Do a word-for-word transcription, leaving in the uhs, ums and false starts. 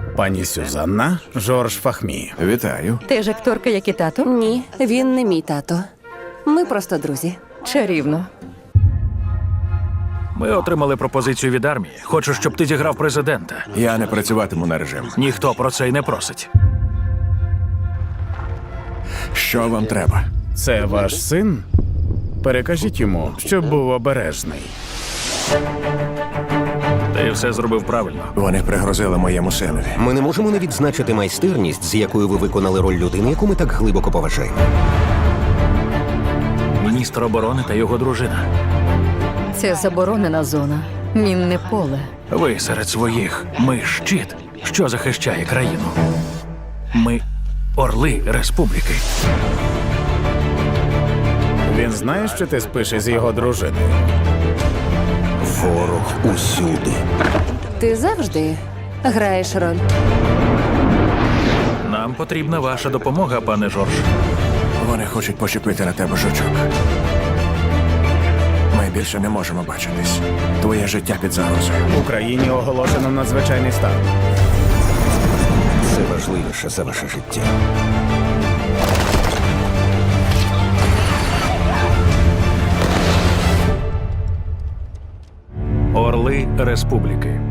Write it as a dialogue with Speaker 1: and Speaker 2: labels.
Speaker 1: Пані Сюзанна, Жорж Фахмі.
Speaker 2: Вітаю.
Speaker 3: Ти ж акторка, як і тато?
Speaker 4: Ні, він не мій тато. Ми просто друзі.
Speaker 3: Чарівно.
Speaker 5: Ми отримали пропозицію від армії. Хочу, щоб ти зіграв президента.
Speaker 2: Я не працюватиму на режим.
Speaker 5: Ніхто про це й не просить.
Speaker 2: Що вам треба?
Speaker 1: Це ваш син? Перекажіть йому, щоб був обережний.
Speaker 5: Ти все зробив правильно.
Speaker 2: Вони пригрозили моєму синові.
Speaker 6: Ми не можемо не відзначити майстерність, з якою ви виконали роль людини, яку ми так глибоко поважаємо.
Speaker 5: Міністр оборони та його дружина.
Speaker 3: Це заборонена зона. Мінне поле.
Speaker 5: Ви серед своїх. Ми щит, що захищає країну. Ми орли республіки.
Speaker 1: Він знає, що ти спиш із його дружиною?
Speaker 6: Ворог усюди.
Speaker 4: Ти завжди граєш роль.
Speaker 5: Нам потрібна ваша допомога, пане Жорж.
Speaker 2: Вони хочуть почепити на тебе жучок. Ми більше не можемо бачитись. Твоє життя під загрозою.
Speaker 1: В Україні оголошено надзвичайний стан.
Speaker 6: Це важливіше за ваше життя.
Speaker 5: Орли республіки.